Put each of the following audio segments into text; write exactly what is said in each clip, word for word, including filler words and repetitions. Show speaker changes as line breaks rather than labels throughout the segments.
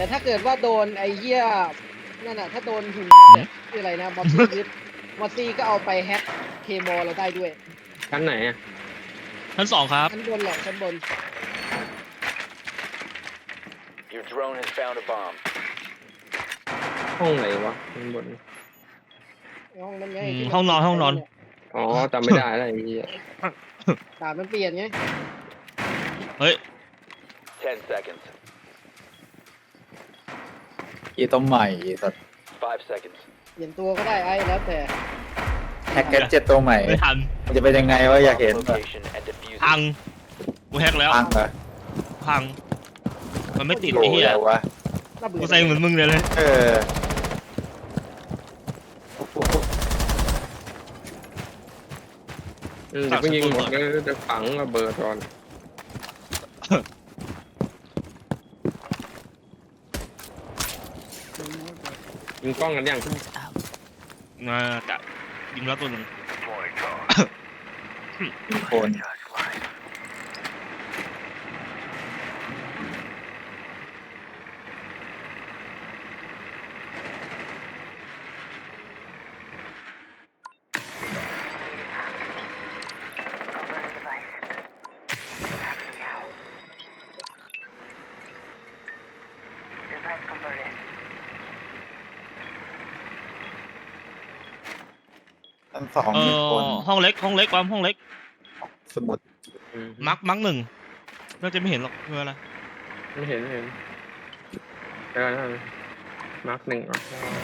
แต่ถ้าเกิดว่าโดนไอ้เหี้ยนั่นน่ะถ้าโดนหุ่นคืออะไรนะมอสซี่ยึดมอสซี่ก็เอาไปแฮ็กเคมอเราได้ด้วย
ชั้นไหนอ่ะ
ชั้นสองครับ
ชั้นบนแหละชั้นบน
Your drone has found a bomb.
ห้องไหนวะข้างบน
ห้องนั้นไง
อืม
ที่มั
ห้องนอนห้องนอน
อ๋อจำไม่ได้แล้วไอ้เหี้ย
ตามันเปลี่ยนไง
เฮ้ย
Ten seconds.
อีตัวใหม่สัตว์
Five seconds.
เปลี่ยนตัวก็ได้ไอ้แล้วแต่
แฮกเกจเจ็ดตัวใหม่
ไม่ทัน
มันจะเป็นยังไงวะอยากเห็น
Bomb
แบบ
location and defuse
พัง
it.
กูแฮกแล้ว
พังเหรอ
พัง มันไม่ติด
โอ้
ไอ้
ย
เหี้ย
อะไรวะ
น่าเบื่อ
กูใส่เหมือนมึงเลยเลย
เออ
อืมเดี๋ยวเพิ่งยิงหมดแล้วจะฝังระเบิดก่อนยิงกล้องกันยัง
มาจะยิงแล้วตัวหนึ่ง
โคน ทั้งสอง
เอ
มีคน
อห้องเล็กห้องเล็กความห้องเล็ก
สมุด
อืม
มักมักหนึ่งน่าจะไม่เห็นหรอกคืออะไร
ไม่เห็นไม่เห็นเดี๋ยวนะมาร์คหนึ่งอ่ะ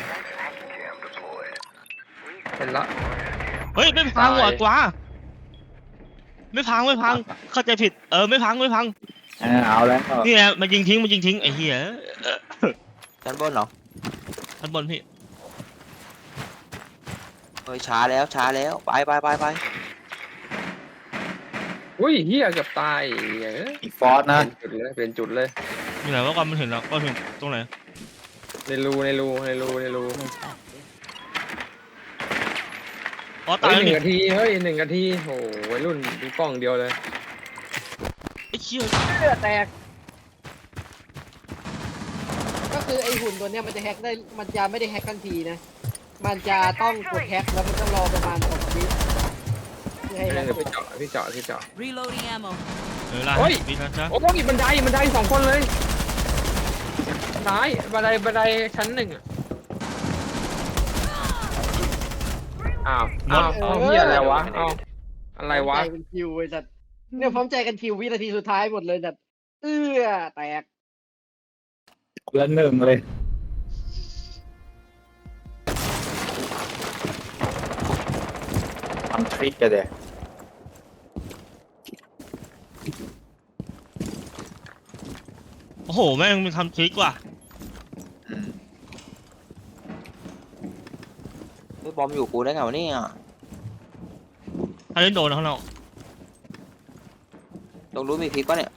เป็นละ
เฮ้ยไม่พังว่ะ
ตาย
กว่าไม่พังไม่พังเข้าใจผิดเออไม่พังไม่พัง
อ่าเอาแล้วก็
นี่ไงมันยิงทิ้งมันยิงทิ้งไอ้เหี้ย
ชั้นบนเหรอ
ชั้นบนพี่
เฮ้ยช้าแล้วช้าแล้วไปไปไปไป
อุ้ยเฮียเกือบตายเอ้ย
อีกฟอสนะ
เป็นจุดเลยเป็นจุดเลย
มีไหนว่าความมันเห็นแล้วก็เห็นตรงไหน
ในรูในรูในรูในรู
อ๋อตา
เฮ้
ย
ยห
แล้ว
นึ่ง
นี่
นาทีเฮ้ยหนึ่งนาทีโหวัยรุ่นดูกล้องเดียวเลย
ไอ้เชี่ย
เลือดแตกก็คือไอ้หุ่นตัวเนี้ยมันจะแฮ็กได้มันจะไม่ได้แฮ็กทันทีนะมันจะต้องกดแฮ็กแล้วมันต้องรอประมาณสองวิเพื่อให้แฮ็ก
เดี๋ยวพี่เจาะพี่เจาะพี่เจาะ
Reloading ammo.
เออล่ะ
โอ้ย
พี่นะจ๊ะ
โอ้ยบันไดบันไดสองคนเลยซ้ายบันไดบันไดชั้นหนึ่งอะอ้าวอ้าวอ้าวเฮียอะไรวะอ้าวอะไรวะ
ใจเป็นคิวไอ้สัตว์เนี่ยพร้อมใจกันคิววินาทีสุดท้ายหมดเลยสัตว์เอื้อแตก
คนละหนึ่งเลยทำทริกกันเดี๋ย
โอ้โหแม่งมันทำทริกว่ะ
เฮ้ยบอมอยู่กูได้ไงวะเนี่ย
ถ้าเล่นโดนข้างนอก
ตรงรู้มีพลิกปะเนี่ย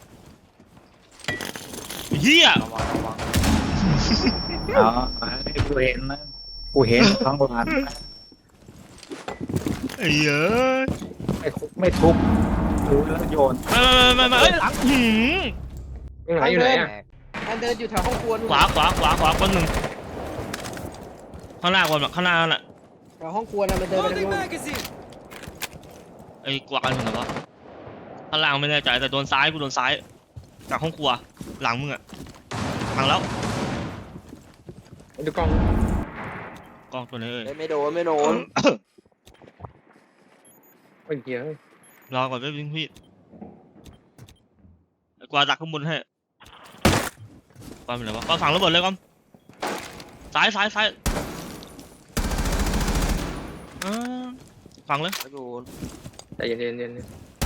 เฮีย
ระวังระวัง
อ๋อให้กูเห็นนะกูเห็นทั้งวันนะ
ไอ้เหี้ย
ไม่คุกไม่ทุบรู้แล้วโยน
ไม่ไม่ไม่ไม่เอ้ยหลังหืม
ตรงไหนอยู่ไหนอะ
มันเดินอยู่แถวห้องครัวนู่น
ขวาขวาขวาขวาคนหนึ่งข้างหน้าคนแบบข้างหน้านั่นแหละ
แถวห้องครัวน่ะมันเดินไปทางนู้น
ไอ้กวางถึงไหนวะข้างล่างไม่แน่ใจแต่โดนซ้ายกูโดนซ้ายจากห้องครัวหลังมึงอะพังแล้ว
ดูกล้อง
กล้องตัวนี้เอ้ย
เฮ้ยไม่โดนไม่โดน
เมื่อกี้
รอก่อนแป๊บนึงพี่ไอ้กวางดักข้างบนให้กวางเป็นไรวะกวางฝังระเบิดเลยกวางซ้ายซ้ายซ้ายอ่าฝังเลย
ไม่โดน
ใจเย็นเย็นเย็น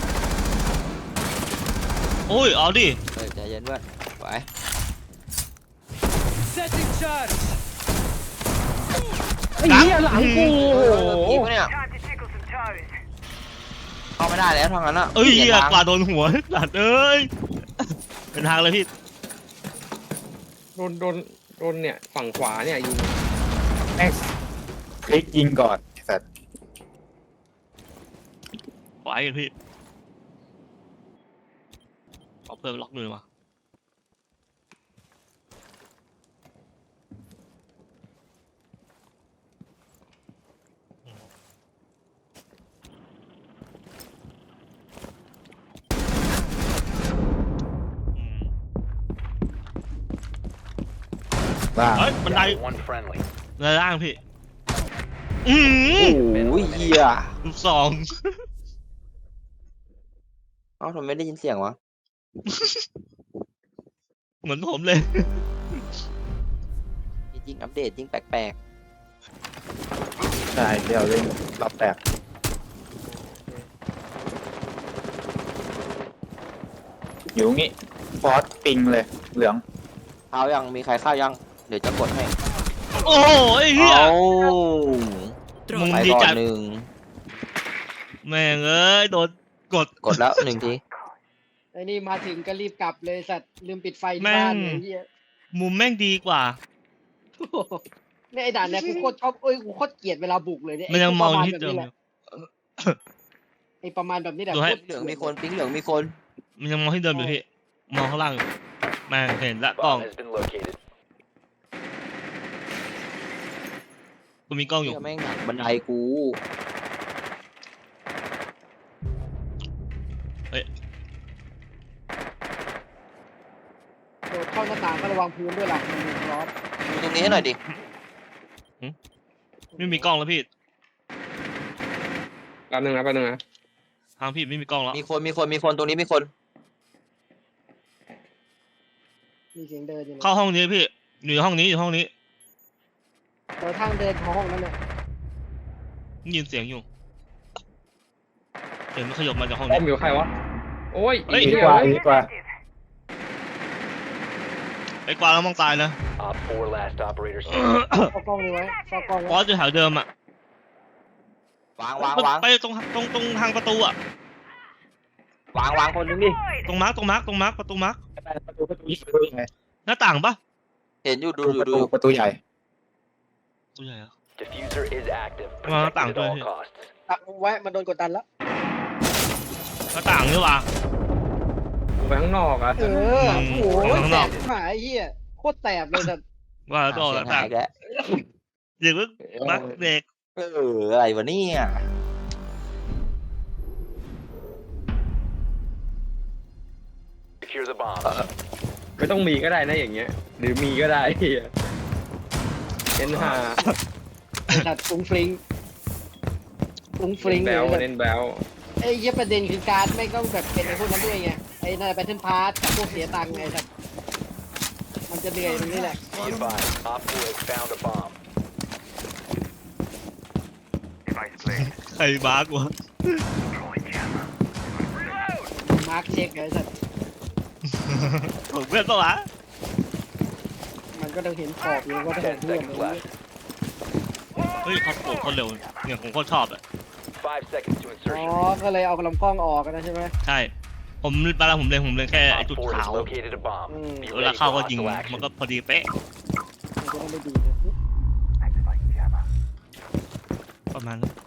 โอ้ยเอาดิ
เฮ้ยใจเย็นเพื่อนไป
Setting charge.
ไอ้เหี้ยหลังกู
เฮ้
โอ้
ย
โห
พลิกปะเนี่ยเข้าไม่ได้แล้วทางนั้นอะ
เอ้ย
ปลี่น
เหี้ย
ทาง
กวาดโดนหัวหลัดเอ้ยเป็นทางเลยพี่
โดนโดนโดนเนี่ยฝั่งขวาเนี่ยยิง
แม็กคลิกยิงก่อนไอ้สัตว์
ไว้กันพี่เอาเพิ่มล็อกมือมา
ว่า
เฮ้ยบันได
Down to one friendly.
บันไดล่างพี่ อืม
โอ้ยเฮีย
ลูกสอง
เอ้าทำไมไม่ได้ยินเสียงวะ
เหมือนผมเลย
จริงๆอัปเดตยิ่งแปลก
ใช่เดี๋ยวเล่นรอบแตกอยู่งี้ฟอสปิงเลยเหลือง
ๆเข้ายังมีใครเข้ายังเดี๋ยวจะกดให้
โอ้โหไอ้เหี้ย
เอา
มึง
ไป
ดี
ก่อ
ใจ
นหนึ่ง
แม่งเอ้ย โดนกด
กดแล้วหนึ่งที
ไอ้นี่มาถึงก็รีบกลับเลยสัตว์ลืมปิดไฟที่
แม่ง
บ้านไอ้เหี้ย
มุมแม่งดีกว่า
โอ้โหเนี่ยไอ้ด่านเนี่ยกูโคตรชอบเอ้ยกูโคตรเกลียดเวลาบุกเลยเนี่ย
มันยังมองที่
ไ
เดิม
ไอ้ประมาณแบบนี้แหละ
ดูให้
ไอ้ประมาณแบบนี้แหละ
เหลืองมีคนปิ๊งเหลืองมีคน
มันยังมองที่เดิมอยู่พี่ มองข้างล่างอยู่แม่งเห็นละกล้อง
Bomb has been located.
กูมีกล้องอยู่
เหี้ยแม่งหนักบันไดกู
โดดเข้าหน้าต่างก็ระวังพื้นด้วยล่ะมันมีร้อน
ดูตรงนี้ให้หน่อยดิ
ไม่มีกล้องแล้วพี่
แป๊บนึงนะแป๊บนึงนะ
ทางพี่ไม่มีกล้องแล้ว
มีคนมีคนมีคนตรงนี้มีคน
มีเสียงเดินอยู่นะ
เข้าห้องนี้พี่ อยู่ห้องนี้อยู่ห้องนี้
เออทางเดินของห้องนั้นเนี่ย
ได้ยินเสียงอยู่เสียงมันขยับมาจากห้อง
ป้อ
นี้
มอยู่ใครวะโอ้ย
เฮ้ย
ดี
เหี้ย
กว่า
เว้ย
ดีกว่า
ไอ้กวางแล้วมองตายนะ
Op four last operator standing.
เข้ากล้องนี้ไว้เข้ากล้อง
ฟอ
ไว้
สอยู่แถวเดิมอ่ะ
วางวางวาง
ไปตรงตรงตรงทางประตูอ่ะ
วางวางคนนึงดิ
ตรงมาร์กตรงมาร์กตรงมาร์กประตูมาร์ก
ประตูประตูประตูไง
หน้าต่างปะ
เห็นอยู่ดู
ประ
ดู
ตู
ดู
ประตูใหญ่
ตัวใหญ่อะ
Diffuser is active.
Well,
Protected
tạm
at
thời
all
thì-
costs.
ตักไว้มันโดนกดดันแล้ว
หน้าต่างนี่หว่า
ไปข้างนอกอ่ะ
เออ
อืม
โอ้โห
ข้าง
แส
นอก
บหายไอ้เหี้ยโคตรแสบเลยสัตว์
ว่าแล้วต่อห
เสีย
น้าง ต่า
หาง ยแล้ว
เด็กมึงมาร์กเด็ก
เอออะไรวะเนี่ย
Secure the bomb.
ไม่ต้องมีก็ได้นะอย่างเงี้ย หรือมีก็ได้เหี้ยเอ็นห้า
ไอ้สัตว์ฟุ้งฟริ้งฟุ้งฟริ้ง
แบ
เลย
ล
สัตว์
เน้นแบล
ไอ้เหี้ยประเด็นคือการไม่ต้องแบบเป็นไอ้พวกนั้นด้วยไงไอ้นั่นแบทเทิลพาร์ทกับพวกเสียตังค์ไงสัตว์มันจะเหนื่อยตรงนี้แหละ
Be advised, Op four has found a bomb.
ใครมาร์กวะ
มาร์คเช็คเลยสัตว์
ผมเพื่อนปะวะ
มันก็ต้องเห็นขอบอยู่ว่าถ้าเห็น
Ten
เพื่อน
seconds
อะไร
left.
เฮ้ยเขาโผล่คนเร็วเนี่ยผมโคตรชอบอ่ะ
Five seconds to
อ๋อ
insertion.
ก็เลยเอาลำกล้องออกกันนะใช่ไหม
ใช่ ผมเวลาผมเล็งผมเล็งแค่ไอ้
Op
จุด
four
ขาว
has located a bomb.
Mm.
Be
เวลา
ready
เข้า
for
ก็ยิง
hostile
มัน
action.
ก็พอดีเป๊ะ
มันจะได้ไม่ดีนะ
ประมาณนั้น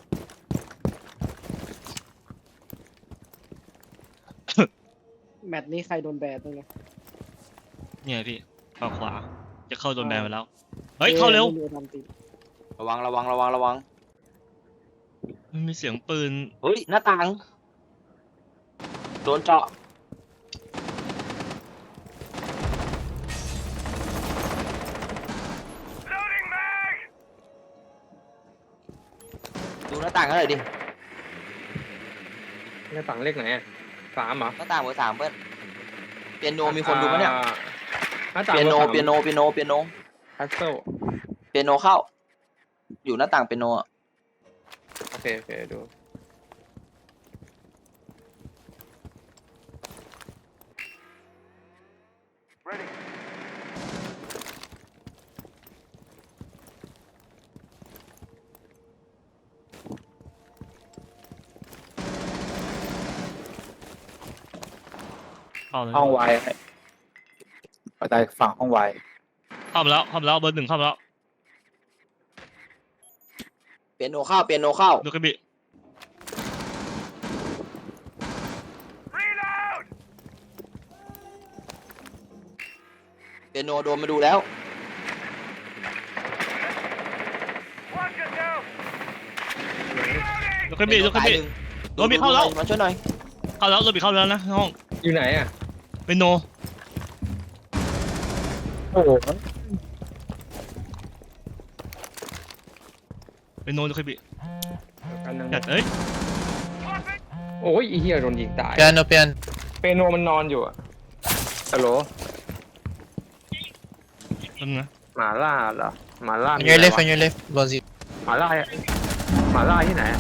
แมตช์นี้ใครโดนแบนบ้างเนี่ย
เนี่ยพี่เข้าขวา จะเข้าโดนแบนไปแล้ว เฮ้ย เข้าเร็ว
ไม่มีทำติด
ระวังระวังระวังระวัง
มันมีเสียงปืน
เฮ้ยหน้าต่างโดนเจาะดูหน้าต่างกันหน่อยดิ
หน้าต่างเลขไหนอะสามเหรอ
หน้าต่างเบอร์สามเพื่อนเปียโนมีคนดูปะเนี่ย
อ่าหน้าต่าง
เปียโน
บอร์สาม
เปียโนเปียโนเปียโน
พัซเซิล
เปียโนเข้า อยู่หน้าต่างเปียโนอะ
โอเคโอเคดู
เข้าเลย
ห้องไวน์ไปได้ฝั่งห้องไวน์
เข้ามาแล้ว เข้ามาแล้ว เบอร์หนึ่งเข้ามาแล้ว
เปียโนเข้าเปียโนเข้า
ดูกระบี่
เปียโนโดนมาดูแล้ว
ดูกระบี่ดูกระบี่
หนึ่ง
โดนมีเข้าแล้ว
มาช่วยหน่อย
เข้าแล้วโดนบีเข้าแล้วนะห้อง
อยู่ไหนอ่ะ
เป็นโน
โอ้โห
เป็นโนนเคยบิ
กันนึง
จัดเอ้ย
โอ้ยไอ้เหี้ยโดนยิงตาย
Piano, piano.
เปโนมันนอนอยู่อะฮัลโหล
ตรงนะ
หมาล่าเหรอหมาล่า
On
มี
your
อะไร
left,
วะ
on your left. Vas-y.
หมาล่าหมาล่าที่ไหนอะ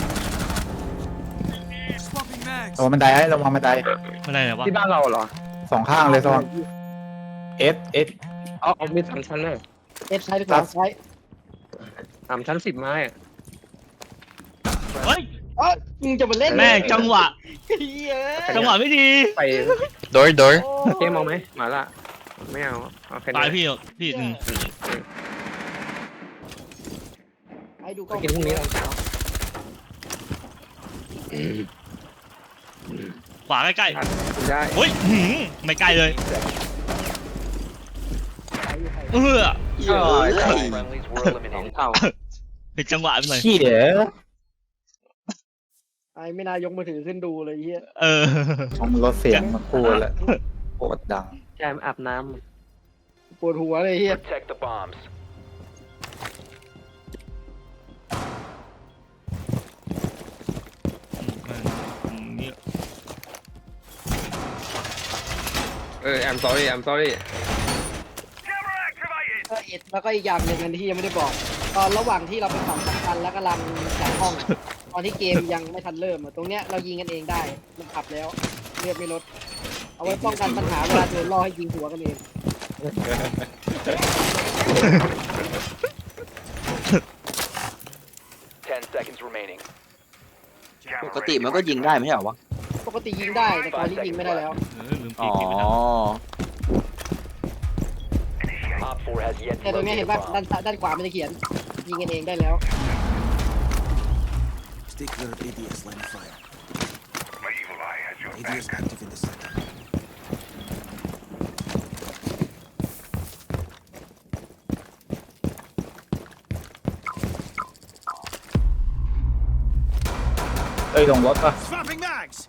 ระวังบันไดไอ้ระวังบันได
ไม่ได้ไหนวะ
ที่บ้านเราเหรอ
สองข้างเลยระวังเอสเอส
เอาเอามีสามชั้นเลย
เอฟซ้ายหรือขวาซ้าย
สามชั้นสิบไม้อะ
เฮ้ย
เอ้ยมึงจะมาเล่น
แม่งจังหวะ
เฮีย
จังหวะไม่ดี
ไป
Door, door.
เกมเอาไหมหมาล่าไม่เอาเอาแค่นี้
ตายพี่พี่หนึ่ง
ไอ้ดูก
ไป
ล้อง
กินพรุ่งนี้ตอนเช้า
ขวาใกล้
กินได้
ๆเฮ้ยหืมไม่ใกล้เลย เออ
เออ
Friendlies were
สอง
eliminated.
เท่า
เป็นจังหวะไปหน่อย
ขี้เด้อ
ไอ้ไม่น่ายกมือถือขึ้นดูเลยเฮีย
เออ
ต้องลดเสียงมาพูดแล้วโคตรดัง
แจมอาบน้
ปวดหัวเลยเฮีย
Protect the bombs.
นี่
ำเออ I'm sorry I'm sorry
เออเอ็ดแล้วก็อีกอย่างหนึ่งอันที่ยังไม่ได้บอก ตอนระหว่างที่เราไปฝั่งสำคัญแล้วกำลังจัดห้องอะตอนที่เกมยังไม่ทันเริ่มอะตรงเนี้ยเรายิงกันเองได้มันขับแล้วเลือดไม่ลด เอาไว้ป้องกันปัญหาเวลาโดนล่อให้ยิงหัวกันเอง
Ten seconds remaining.
ปกติมันก็ยิงได้ไม่ใช่เหรอวะ
ปกติยิงได้แต่ตอนนี้ยิงไม่ได้แล้ว
เออลืม
อ๋
ปี
อ
กไปแล้ว
Op four has yet
แต่
to
ตรงเนี้ย
locate
เห็
a
นป่ะ
bomb.
ด้านซ้ายด้านขวามันจะเขียน ยิงกันเองได้แล้ว
Stay clear of A D S line of fire. A D S active in the center.
เอ้ยลงรถป่ะ
Swapping mags!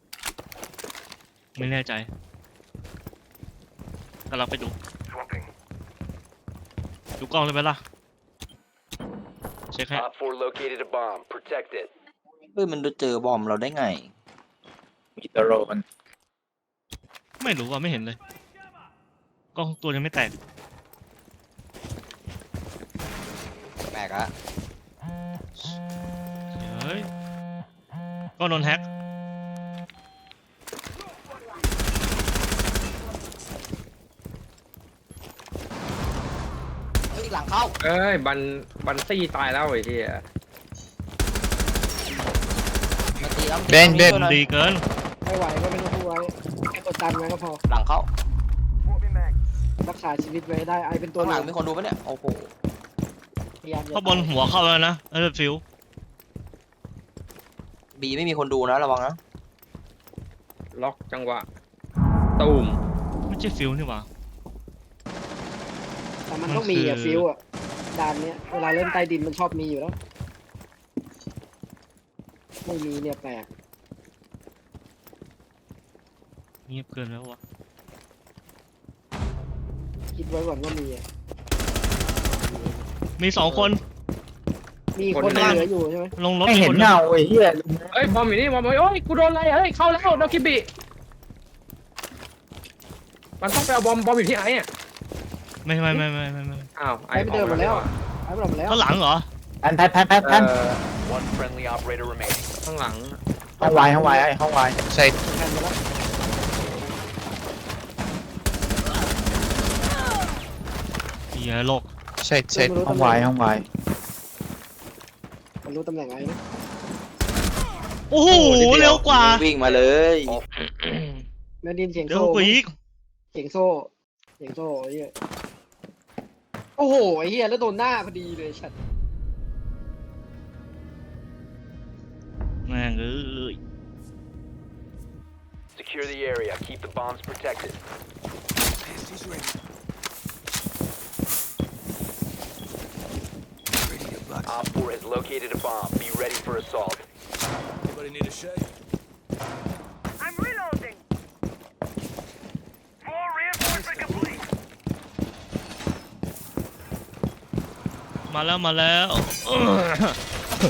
ไม่แน่ใจกำลังไปดู ดูกล้องเลยไหมล่ะ เช็คให้
Op four located a bomb. Protect it.
เฮ้ยมันเจอบอมเราได้ไง
มีตะโรมัน
ไม่รู้ว่าไม่เห็นเลย กล้องตัวยังไม่แตก
แปลกอะ
เฮ้ยกล้องโดนแฮ็ก
เฮ้ยหลังเข้า
เอ้ยบันบันซี่ตายแล้วไอ้เหี้ย
มาตีแล้ว
เบนเบน
ช่วยหน่อย
ดีเกิน
ไม่ไหวก็ไม่ต้องพูดไว้แค่กดดันไว้ก็พอ
หลังเข้า
รักษาชีวิตไว้ได้ไอเป็นตัว
ข้างหลัง
นำ
มีคนดูปะเนี่ยโอ้โห
พยายามอย่า
เข้าบนหัวเข้าแล้วนะเออฟิว
บีไม่มีคนดูนะระวังนะ
ล็อกจังหวะตูม
ไม่ใช่ฟิวนี่หว่า
แต่มันต้องมีอะ
มันคือ
ฟิวอะด่านเนี้ยเวลาเล่นใต้ดินมันชอบมีอยู่แล้ว ไม่มีเนี่ยแปลก
เงียบเกินแล้ววะ
คิดไว้ก่อนว่ามีอะ
มีสองคน
มีคนเหลืออยู่ใช่ไหม
ลงรถ
ไม่
มี
เห็
คน น
เงาไอ้เหี้ย
เอ้ยบอมอยู่นี่บอมอยู่โอ้ยกูโดนอะไรเฮ้ยเข้าแล้วโดนคิบิมันต้องไปเอาบอมบอมอยู่ที่ไอ้อะ
ไม่ไม่ไม่ไม่ไม่ไม่
อ้าว
ไอ้ไปเดินหมดแล้วไอ้ไปหมดแล้ว
ข้างหลังเหรอ
แพนแพนแพนแพนแพ
เอน อ
One friendly operator remaining.
ข้างหลัง
ห้องวายห้องวายไอ้ห้องวาย
Side.
แผ่นหมดแล้ว
เฮียโลก
Side,
ไม่
side.
รู้
ห้อง
ตำแห
วา
น่
ย
ง
ห้องวาย
มันรู้ตำแหน่งไอ้นะ
โอ้โหเร็วกว่า
วิ่งมาเลย
แม่ดินเสียง
เร็ว
โซ่
กว่าอีก
เสียงโซ่เสียงโซ่ไอ้เหี้ยโอ้โหไอ้เหี้ยแล้วโดนหน้าพอดีเลยชัด
แม่งเอ้ย
Secure the area. Keep the bombs protected.
She's ready. Ready to buck.
Op four has located a bomb. Be ready for assault.
Anybody need a shake?
I'm reloading. More reinforcement complete.
มาแล้วมาแล้วเออ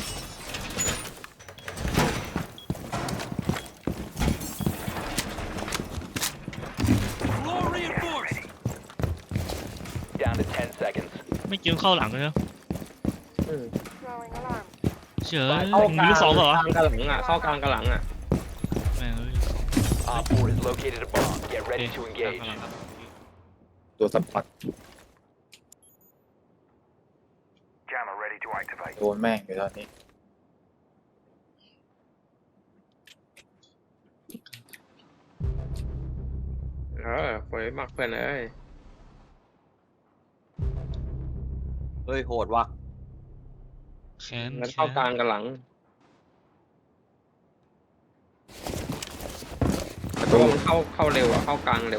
ไม่เกี่ยวเข้าหลังเลยนะ
เออ
Throwing alarm.
เฉย
เข้ากลาง
มีลูกสองเหรอก
ลางกับหลังอ่ะเข้ากลางกับหลังอ่ะ
แม่งเอ้ย
Op four has located a bomb. Get ready to
กลาง
engage.
หลังครับ
ตัวสปอร์ต
Jammer ready to activate.
โดนแม่งอยู่ตอนนี้
เออสวยมากเพื่อนเอ้ย
เฮ้ยโหดว่ะ
แขน
แล้ว
แข
เข้าน กลางกับหลัง
ประ
เพ
ตู
ราะว่ามันเข้าเข้าเร็วอ่ะเข้ากลางเร็ว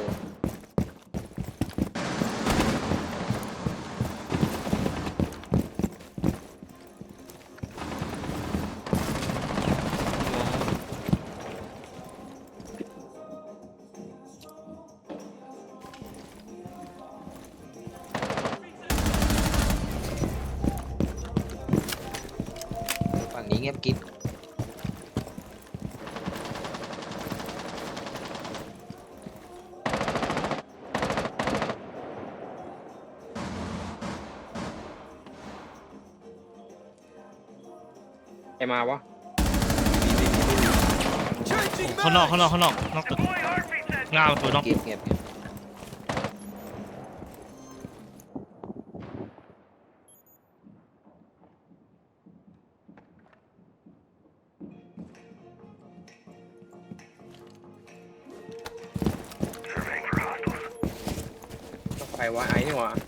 ฝั่งนี้เงียบกิ๊บ
ใครมาวะ
Changing
ข้างนอกข้างนอกข้างนอกนอกตึก
Deploy heartbeat sensor.
ง่าตัวนอก
เงียบเงียบเงียบ
ใครวะไอ้นี่หวะ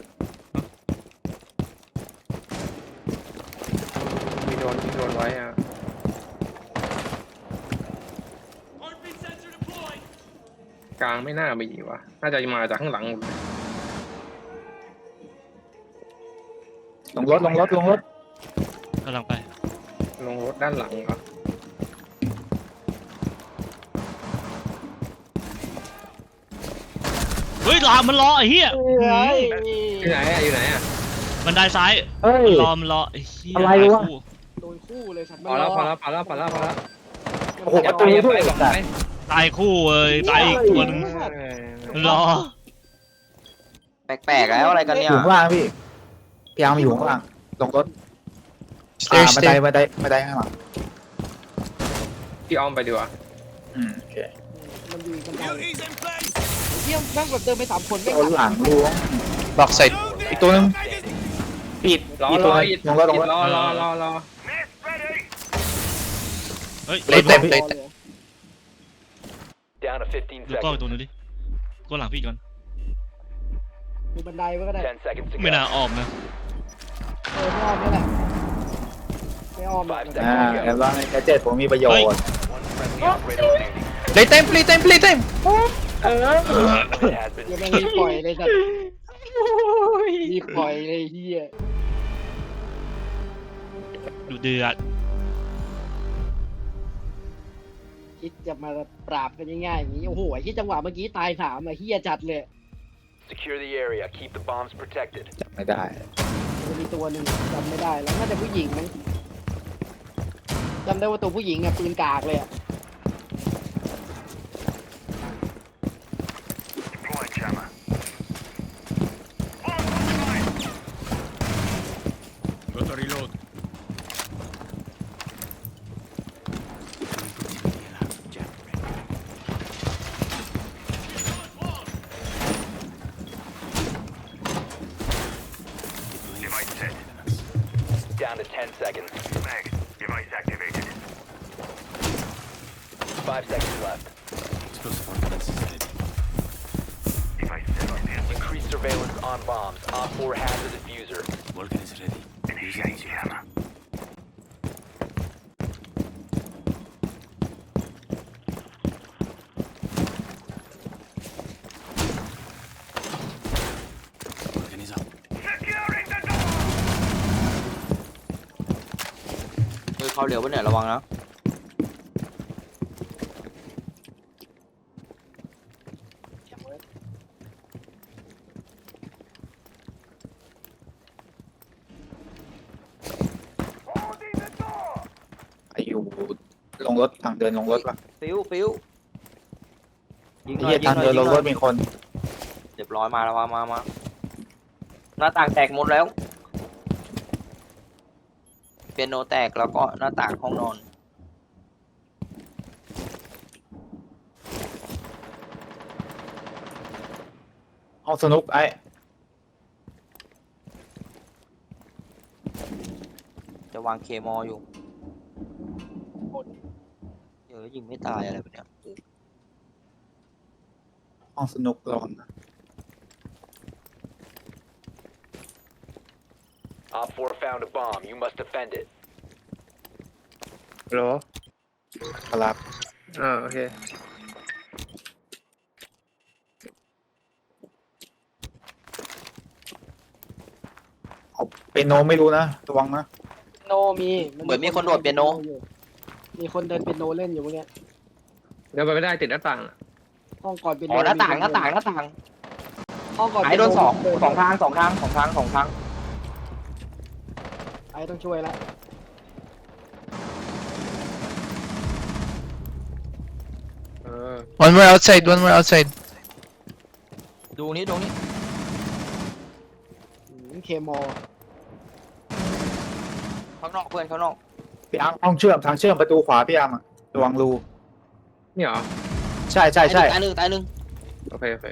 มีโดนมีโดนไว้อ่ะกลางไม่น่ามีวะน่าจะมาจากข้างหลังหมดเลย
ลงรถลงรถลงรถ
กำลังไป
ลงรถด้านหลังเหรอ
เฮ้ยรอมันรอไอ้เหี้ย
เฮ้ย
อยู่ไหนอ่ะอยู่ไหนอ่ะ
บันไดซ้าย
เฮ้ย
รอมันรอไอ้เหี้ย
อะไรวะ
ตายคู่
โดนคู่เลยสัตว์
พอแล้วพอแล้วพอแล้วพอแล้วพอแล้ว
โอ้โหประตูด้วย
ไปไปไป
ตายคู่เอ้ยตายอีกตัวหนึง
เออ
มันรอ
แปลกๆแล้วอะไรกัน
อ
เนี่ย
ยู่ข้างล่างพี่พี่อาร์มอยู่ข้างล่างลงรถอ่า
stairs
บันได
stairs
บันไดบันไดข้างหลัง
พี่อ้อมไปดีกว่า
อืมโอเค
มันอยู่กันไกล
Beauty's in place.
เที่ยมแม่งแบบเดินไปสามคนไม่
โดนหลังล้วง
box side
Loading.
อีกตัวหนึง
Located.
ปิด
รอ
อีก
ร
ตัว
อ
หนึง
อีก
ลงรถลงรถ
รอรอรอรอ
Mist ready.
เฮ้ย
เล่นเต็ม
ร
เล่น
อ
เต็ม
เลย
Down to fifteen
ดูกล้องอีก
seconds.
ตัวหนึงดิกล้องหลังพี่ก่อน
ดูบันไดไว้ก็ได้
Ten seconds to
ไม่น่า
go.
อ้อมนะ
เออไม่อ้อมนี่แหละไม่อ้อมหรอก
Five
อ่า
seconds to
เห็น
go.
ว่าแกเจ็ตผมมีประโยชน์
One friendly operator remaining.
play time play time play time
It has been
เดี๋ยวแม่งรีบปล่อยเลยสัตว์รีบปล่อยเลยเฮีย
ดูเดือด
คิดจะมาปราบกันง่ายๆอย่างนี้โอ้โหไอ้ที่จังหวะเมื่อกี้ตายสามอะเฮียจัดเลย
secure the area. Keep the bombs protected.
จำไม่ได้
มันมีตัวหนึ่งจำไม่ได้แล้วน่าจะผู้หญิงมั้งจำได้ว่าตัวผู้หญิงอะปืนกากเลยอะ
Deploying jammer.
Got to reload.
Device set.
Down to ten seconds.
Meg, device activated.
Five seconds left.
Explosive ordnance is ready.
Device set on the
Increase surveillance on bombs. Op four has the diffuser.
Vulcan is ready.
Initiate jammer.
Vulcan is up.
Securing the door.
เฮ้ยเข้าเร็วปะเนี่ยระวังนะ
Holding the door.
ไอ้อยู่ลงรถทางเดินลงรถปะ
ฟิวฟิวยิงห
ไอ้
น่อย
เหี้ย
ยิง
ทาง
หน่อย
เดิน
ยิ
ล
ง
ง
หน่อย
รถมีคน
เรียบร้อยมาแล้วมามามาหน้าต่างแตกหมดแล้วปียโนแตกแล้วก็หน้าต่างห้องนอน
ห้องสนุกไอ้
จะวางเคมออยู่เดี๋ยวยิงไม่ตายอะไรแบบเนี้ย
ห้องสนุกระวังนะ
Op four found a bomb. You must defend it.
โหรอ
ครับ
อ่าโอเค
เอาเปียโนไม่รู้นะระวังนะ
โนมี
เหมือนมีคนโดดเปียโน
มีคนเดินเป็นโนเล่นอยู่เมื่อกี้
เดี๋ยวไปไม่ได้ติดหน้าต่างอะ
ห้องก่อนเป็นโน
อ๋อหน้าต่าง
มี
หน้าต่างหน้าต่าง
ห้องก่อน
ไอ้โดนสอง
เปีย
สองทางสองทางสองทางสองทาง
ไอ้ต้องช่วยละ
เออ
One more outside, one more outside.
ดูนี้ดูนี้
เคมอ
ข้างนอกเพื่อนข้างนอก
พี่อาร์มห้องเชื่อมทางเชื่อมประตูขวาพี่อาร์มอะระวังรู
นี่เหรอ
ใช่ใช่ใช่
ตายหนึ่งตายหนึ่ง
โอเคโอเค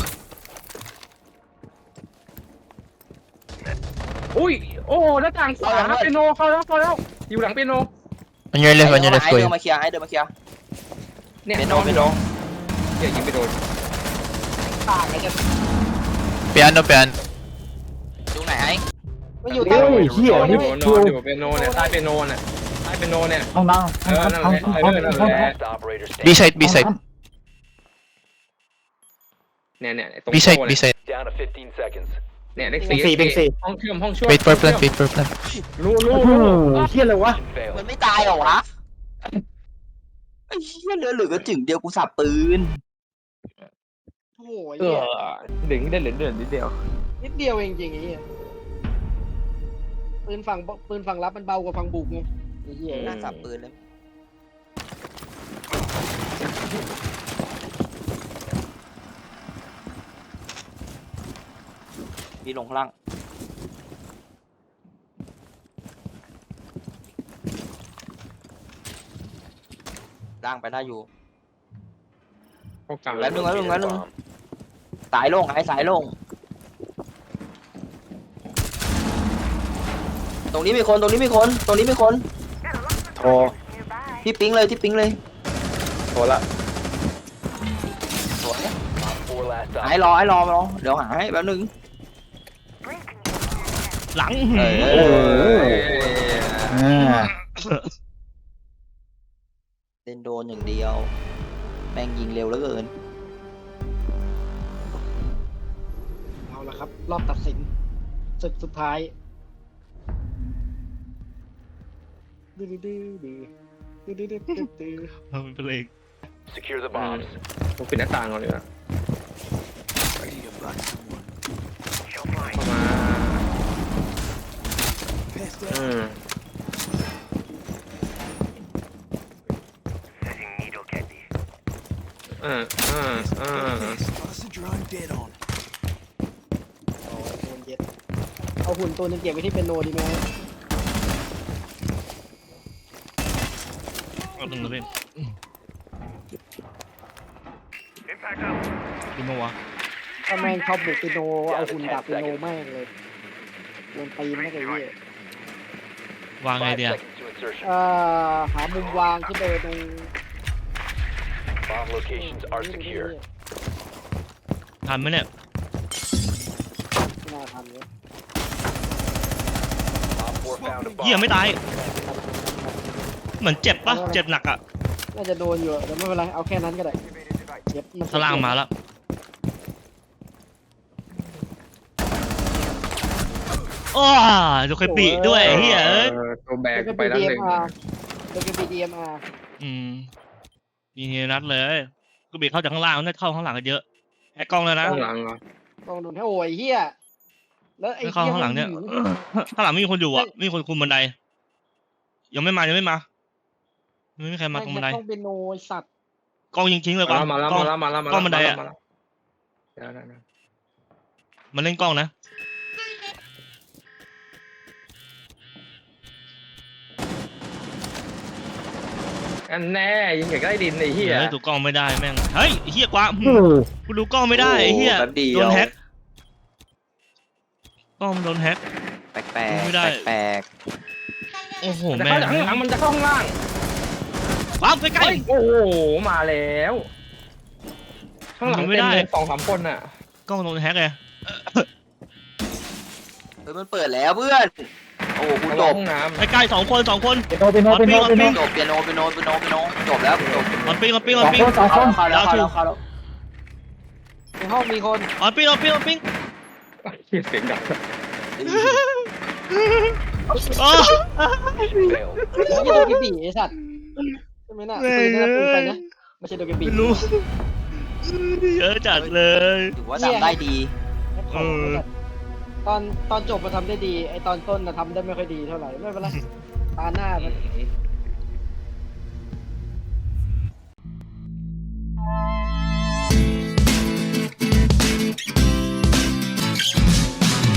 อุ้ยโอ้หน้าต่างขวาเปียโนเข้าแล้วเข้าแล้วอยู่หลังเปียโน
On your left, on your
ไอ้
left,
เดิน
William.
มาเคลียร์ไอ้เดินมาเคลียร์
เนี่ย
เปียโน
นอน
เปียโน
เดี๋ยวยิงไปโดน
ต่างไอ้จะ
Piano, piano.
ดูไหนไอ้
ไม่อยู่
โอ้
ใต้
ยเฮีย
นอนอ
นี่
ยู่น
คิ
อ
ว
นอยู่เปียโนเนี่ยใต้เปียโนเนี่ยใต้เปียโนเนี่ย
ห้องน้ำห้องน้ำห้องห้องห้องห้อง
Last operator
B
standing.
side, B side.
เนี่ยเนี่ยตรง
B side,
โต๊ะ
B
เนี่ย
side.
Down to fifteen seconds.
เนี่ยเลข
เป็น
สี่
สี่เป็นสี่
ห้องเชื่อมห้องช่วย
Wait for plant, wait for plant.
รู้รู้
โอ้โห
รู้
เฮียอะไรวะ
Mission failed.
มันไม่ตายเหรอวะไอ้เหี้ยเหลือเหลือกระจึงเดียวกูสับปืน
โอ้โห
เออดึงได้เหลือเดือนนิดเดียว
นิดเดียวเองจริงไอ้เหี้ยปืนฝั่งปืนฝั่งรับมันเบากว่าฝั่งบุกไงไอ้เหี้ย
หน้าสับปืนเลยมีลงข้างล่างล่างไปได้อยู่
เข้ากลาง
แล้ว
Locate a
Lung, lung.
bomb.
สายลงไอ้สายลง ตรงนี้มีคนตรงนี้มีคนตรงนี้มีคน
โทร
ที่ปิ๊งเลยที่ปิ๊งเลย
โทรละ
สวย
Op four last
ไอ้
op.
รอไอ้รอรอเดี๋ยวหาให้แป๊บนึง
หลัง
เออ
โอ้โหอ่า
เล่นโดนอย่างเดียวแม่งยิงเร็วเหลือเกิน
เอาละครับ รอบตัดสินศึกสุดท้ายดื้อดื้อดื้อดื้อดื้อดื้อดื้อดื้อ
เออมันเป็นเอง
Secure the bombs.
ผมปิดหน้าต่างก่อนเลยนะ
Ready to block someone.
เข้ามา
Pass
อื
that.
ม
Setting needle candy.
อ่าอ่าอ่า
Toss the drone dead on.
โอ้ยโดนเย็ดเอาหุ่นตัวหนึงเก็บไว้ที่เป็นโนดีไหม
เอาตรงนั้นเล่น
Impact out.
กินมาวะ
ถ้าแม่งชอบบุกเป็นโนเอาหุ่นดับเป็นโนแม่งเลยโดนตีมันก็เลยเหี้ยว
างไง
Five
เดีย
seconds to insertion.
เอ่อหามุมวางขึ้นไปตรง
Bomb locations are secure.
ทันไหมเนี่ย
ไม่น่าทันเลย
Op four found a
เหี้ย
bomb.
ไม่ตาย เหมือนเจ็บปะเจ็บหนักอ่ะ
น่าจะโดนอยู่อะแต่ไม่เป็นไรเอาแค่นั้นก็ได้เย็บมัน
ข้างล่างมาแล้วโอ้ยดูเคยปีด้วยเฮียเอ้ย
เออตัวแบก
แล้วก็
ไป
เป็น
แล้วหนึ่ง
ดี เอ็ม อาร์ แล้วก็เป็น ดี เอ็ม อาร์
อืมมีเฮียนัดเลยกูบีเข้าจากข้างล่างน่าจะเข้าข้างหลังกันเยอะแอกกล้องเลยนะ
ข้างหลังเหรอ
ต้องโดนให้โอ้ยเฮียแล้วไอ้
ไม่เข้า
เฮีย
ข้างหลังเนี่ย
มั
ข้างหลังไม่มีคนอยู่อ่ะไม่มีคนคุมบันได ยังไม่มายังไม่มายังไม่มีใครมาตรงบันได
ต้องเป็นโนไอ้สัตว์
กล้องยิงทิ้งเลยกว่า
มาแล้ว
กล้อง
มาแล้วมาแล้วมาแล้ว
กล้องบันไดอะ
มาแล้วเดี๋ยวนะ
มันเล่นกล้องนะ
อันแน่ยิงอยากได้ดินไอ้เหี้ย
เฮ้ยดูกล้องไม่ได้แม่งเฮ้ยไอ้เฮียกว่ากูดูกล้องไม่ได้ไอ้เฮีย
แป๊บเดียว
โดนแฮกกล้องมันโดนแฮก
แปลกแปล
ไม่ได้
กแปลก
โอ้โห
มันจะ
แม่
เข้าง จากข้างหลังมันจะเข้าข้างล่าง
ว้าวใกล้
เฮ้ยโอ้โหมาแล้ว ข้างหลัง
ยิงไม่
เต็ม
ได้
เลยสองสามคนอ่ะ
ๆกล้องมันโดนแฮกไง
เฮ้ยมันเปิดแล้วเพื่อน โอ้โหกู
ระ
จ
วัง
บ
ห้องน้
ใกล้ๆสองคนสองคน
เป็นโนเป็นโนเป็นโนเป็นโน
จบเปียโนเปียโนเปียโนเปียโนจบแล้วจบ
ออนปิ้งออนปิ้ง
ส
ออ
อน ง
ปิ้ง
คนสองคน
เข้าแล้วเข้าแล้วเข้าแล้ว
ในห้องมีคน
ออนปิ้งออนปิ้งออนปิ้ง
ำเหี้ยเสียงดัง
อ๋อ
Failed.
ไม่ใช่โดเกบีไอ้สัตว์ใช่ไหมน่ะปืนนั่นปืนใครนะไม่ใช่โดเกบี
ไม่รู้ เยอะจัดเลย
ถือว่าทำได้ดี
เออ
ตอนตอนจบมาทำได้ดี ไอตอนต้นน่ะทำได้ไม่ค่อยดีเท่าไหร่ไม่เป็นไรตาหน้ามัน